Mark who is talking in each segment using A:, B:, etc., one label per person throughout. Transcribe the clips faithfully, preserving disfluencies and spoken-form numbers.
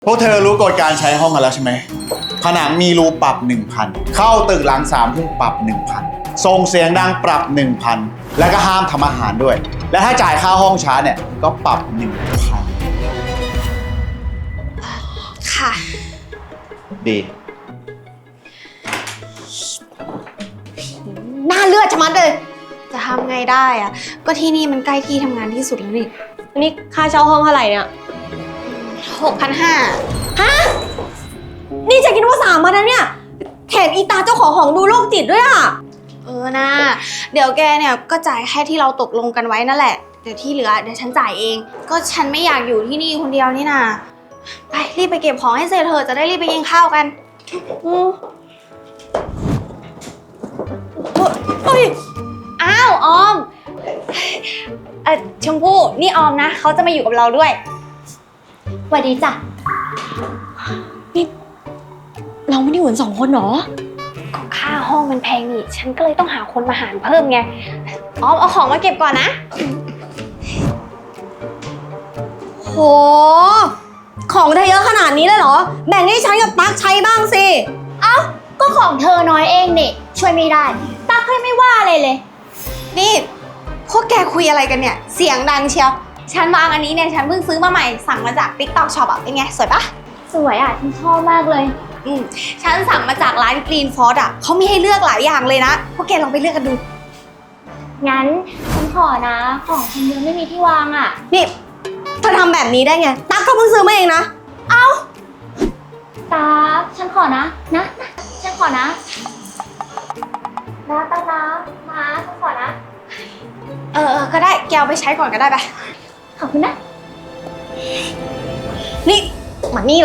A: พวกเธอรู้กฎการใช้ห้องกันแล้วใช่ไหมผนังมีรูปรับ หนึ่งพัน เข้าตึกหลังสามทุ่มปรับ หนึ่งพัน ส่งเสียงดังปรับ หนึ่งพัน แล้วก็ห้ามทำอาหารด้วย และถ้าจ่ายค่าห้องช้าเนี่ยก็ปรับ หนึ่งพัน
B: ค่ะ
A: ดี
B: หน้าเลือดชะมัดเลยจะทำไงได้อะก็ที่นี่มันใกล้ที่ทำงานที่สุดแล้วนี่
C: อันนี้ค่าเช่าห้องเท่าไหร่เนี่ย
B: หกพันห้า
C: ฮะ นี่จะกินว่าสามมาแล้วเนี่ยแถมอีตาเจ้าของห้องดูโรคจิตด้วยอ่ะ
B: เออนะเดี๋ยวแกเนี่ยก็จ่ายแค่ที่เราตกลงกันไว้นั่นแหละเดี๋ยวที่เหลือเดี๋ยวฉันจ่ายเอง ก็ฉันไม่อยากอยู่ที่นี่คนเดียวนี่นาไปรีบไปเก็บของให้เสร็จเถอะจะได้รีบไปกินข้าวกันอือเฮ้ยอ้าวออมเอ่อชมพู่นี่ออมนะเขาจะมาอยู่กับเราด้วยสวัสดีจ้ะ
C: เราไม่ได้อยู่กันสองคนหรอ
B: ก็ค่าห้องมันแพงนี่ฉันก็เลยต้องหาคนมาหารเพิ่มไงออมเอาของมาเก็บก่อนนะ
C: โห ของเธอเยอะขนาดนี้เลยเหรอ แบ่งให้ฉันกับตั๊กใช้บ้างสิ
D: เอ้าก็ของเธอน้อยเองนี่ช่วยไม่ได้ตั๊กเลยไม่ว่าเลยเลย
B: นี่พวกแกคุยอะไรกันเนี่ยเสียงดังเชียวฉันวางอันนี้เนี่ยฉันเพิ่งซื้อมาใหม่สั่งมาจาก TikTok Shop อ่ะเป็นไงสวยปะ
D: สวยอ่ะฉันชอบมากเลย
B: อืมฉันสั่งมาจากร้าน Green Force อ่ะเขามีให้เลือกหลายอย่างเลยนะพวกแกลองไปเลือกกันดู
D: งั้นฉันขอนะของคนเดียวไม่มีที่วางอ่ะ
C: นี่เธอทำแบบนี้ได้ไง ตั๊กก็เพิ่งซื้อมาเองนะ
D: ตั๊กฉันขอนะนะนะฉันขอนะนะตั๊กนะนะฉันขอนะ
B: เออเออก็ได้แกเอาไปใช้ก่อนก็ได้ปะ
D: ขอบคุณนะ
C: นี่มานี่เลย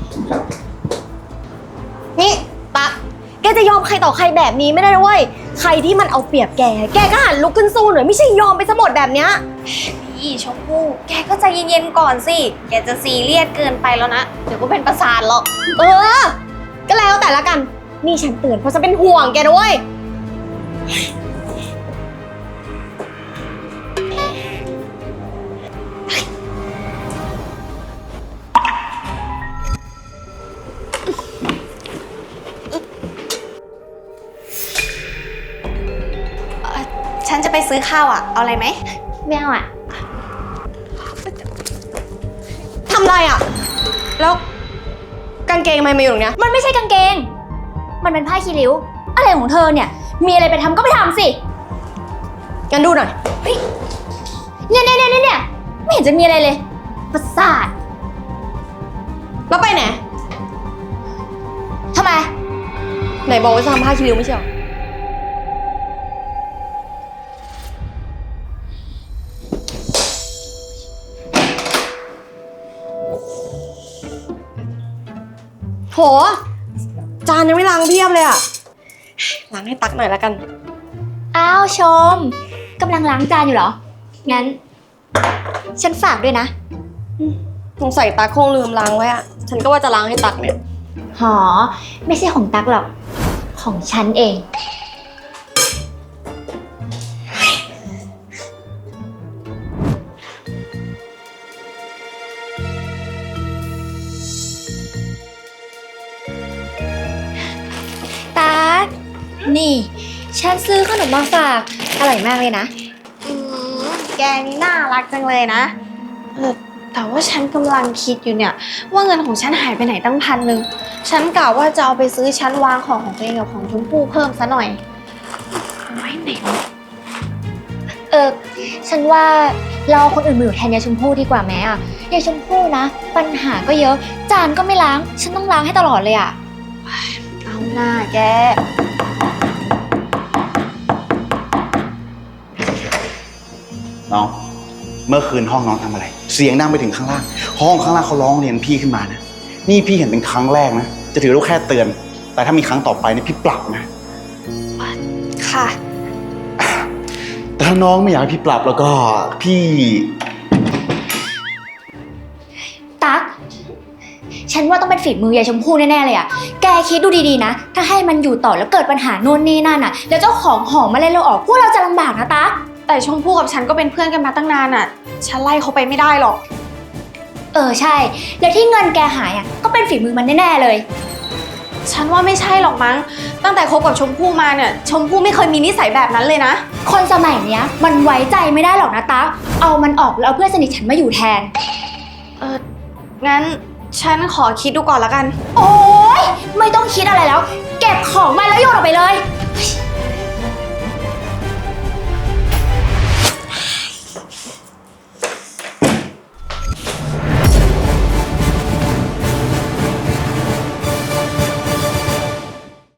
C: นี่ตั๊กแกจะยอมใครต่อใครแบบนี้ไม่ได้นะเว้ย ใครที่มันเอาเปรียบแก แกก็หันลุกขึ้นสู้หน่อยไม่ใช่ยอมไปซะหมดแบบเนี้ย
B: นี่ชมพู่แกก็ใจเย็นๆก่อนสิแกจะซีเรียสเกินไปแล้วนะเดี๋ยวก็เป็นประสาทหรอก
C: เออ ก็แล้วแต่ละกัน นี่ฉันเตือนเพราะฉันเป็นห่วงแกด้วย
B: ฉันจะไปซื้อข้าวอ่ะเอาอะไรไหม
D: ไม่เอาอ่ะ
C: ทำไรอ่ะ แล้วกางเกงทำไมมาอยู่ตรงเนี้ย
D: มันไม่ใช่กางเกงมันเป็นผ้าคีริ้วอะไรของเธอเนี่ยมีอะไรไปทำก็ไปทำสิ
C: งั้นดูหน่อย
D: เนี่ยเนี่ยเนี่ยเนี่ยไม่เห็นจะมีอะไรเลยประสาท
C: แล้วไปไหน
D: ทำไม
C: ไหนบอกว่าจะทำผ้าคีริ้วไม่ใช่เหรอ โห จานยังไม่ล้างเพียบเลยอะล้างให้ตักหน่อยละกัน
D: อ้าวชมกำลังล้างจานอยู่เหรอ งั้น ฉันฝากด้วยนะ
C: สงสัยตักคงลืมล้างไว้อะฉันก็ว่าจะล้างให้ตักเนี่ย
D: หอ ไม่ใช่ของตั๊กหรอก ของฉันเอง ตั๊กนี่ ฉันซื้อขนมมาฝาก อร่อยมากเลยนะ
B: อืมแกนี่น่ารักจังเลยนะเออแต่ว่าฉันกำลังคิดอยู่เนี่ยว่าเงินของฉันหายไปไหนตั้งพันหนึ่งฉันกะว่าจะเอาไปซื้อชั้นวางของของตัวเองกับของชมพู่เพิ่มซะหน่อยเอาไว้ไหนวะ
D: เออ ฉันว่าเราเอาคนอื่นมาอยู่แทนยายชมพู่ดีกว่าไหมอ่ะยายชมพู่นะ ปัญหาก็เยอะ จานก็ไม่ล้าง ฉันต้องล้างให้ตลอดเลยอ่ะ
B: เอาหน้าแก
A: น้องเมื่อคืนห้องน้องทำอะไรเสียงดังไปถึงข้างล่างห้องข้างล่างเขาร้องเรียนพี่ขึ้นมานะนี่พี่เห็นเป็นครั้งแรกนะจะถือว่าแค่เตือนแต่ถ้ามีครั้งต่อไปนี่พี่ปรับนะ
B: ค่ะ
A: แต่ถ้าน้องไม่อยากให้พี่ปรับแล้วก็พี่
D: ตั๊ก ฉันว่าต้องเป็นฝีมือยายชมพู่แน่ๆเลยอ่ะ แกคิดดูดีๆนะ ถ้าให้มันอยู่ต่อแล้วเกิดปัญหาโน่นนี่นั่นอ่ะ แล้วเจ้าของหอมาไล่เราออก พวกเราจะลำบากนะตั๊ก
B: แต่ชมพู่กับฉันก็เป็นเพื่อนกันมาตั้งนานอ่ะฉันไล่เขาไปไม่ได้หรอก
D: เออใช่ แล้วที่เงินแกหายอ่ะก็เป็นฝีมือมันแน่ๆเลย
B: ฉันว่าไม่ใช่หรอกมั้ง ตั้งแต่คบกับชมพู่มาเนี่ย ชมพู่ไม่เคยมีนิสัยแบบนั้นเลยนะ
D: คนสมัยเนี้ยมันไว้ใจไม่ได้หรอกนะตั๊กเอามันออกแล้วเอาเพื่อนสนิทฉันมาอยู่แทน
B: เออ งั้นฉันขอคิดดูก่อนละกัน
D: โอ๊ยไม่ต้องคิดอะไรแล้ว เก็บของมาแล้วโยนออกไปเลย